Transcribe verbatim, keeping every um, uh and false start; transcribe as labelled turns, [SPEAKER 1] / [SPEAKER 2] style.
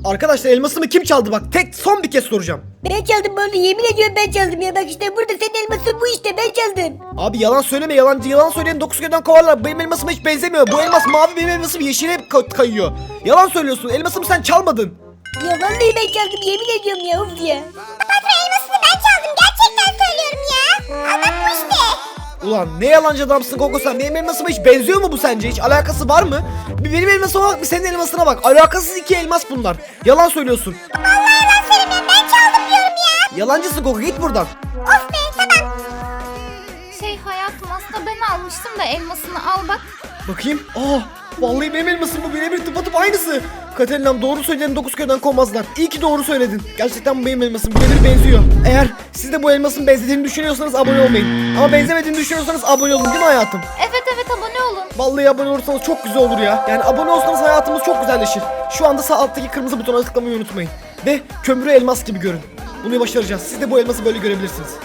[SPEAKER 1] Arkadaşlar elmasımı kim çaldı bak, tek son bir kez soracağım.
[SPEAKER 2] Ben çaldım bunu, yemin ediyorum ben çaldım ya. Bak işte burada senin elmasın bu, işte ben çaldım.
[SPEAKER 1] Abi yalan söyleme, yalancı yalan söyleyen dokuz köyden kovarlar. Benim elmasıma hiç benzemiyor. Bu elmas mavi, benim elmasım yeşile ka- kayıyor. Yalan söylüyorsun, elmasımı sen çalmadın.
[SPEAKER 2] Ya vallahi ben çaldım, yemin ediyorum ya, of ya.
[SPEAKER 3] Patron elmasını ben çaldım. Gerçekten söylüyorum ya. Anlat bu işte.
[SPEAKER 1] Ulan ne yalancı adamsın Koko sen. Benim elmasıma hiç benziyor mu bu sence? Hiç alakası var mı? Bir benim elmasıma bak, bir senin elmasına bak. Alakasız iki elmas bunlar. Yalan söylüyorsun.
[SPEAKER 3] Vallahi yalan söylemiyorum. Ben çaldım diyorum ya.
[SPEAKER 1] Yalancısın Koko, git buradan.
[SPEAKER 3] Of be tamam.
[SPEAKER 4] Şey hayatım, aslında ben almıştım da elmasını al bak.
[SPEAKER 1] Bakayım. Aa, vallahi benim elmasım bu, birebir tıpatıp aynısı. Katerina'm doğru söyledin, dokuz köyden kovmazlar. İyi ki doğru söyledin. Gerçekten bu benim elmasım, birebir benziyor. Eğer siz de bu elmasın benzediğini düşünüyorsanız abone olmayın. Ama benzemediğini düşünüyorsanız abone olun, değil mi hayatım?
[SPEAKER 4] Evet evet, abone olun.
[SPEAKER 1] Vallahi abone olursanız çok güzel olur ya. Yani abone olursanız hayatımız çok güzelleşir. Şu anda sağ alttaki kırmızı butona tıklamayı unutmayın. Ve kömürü elmas gibi görün. Bunu başaracağız. Siz de bu elması böyle görebilirsiniz.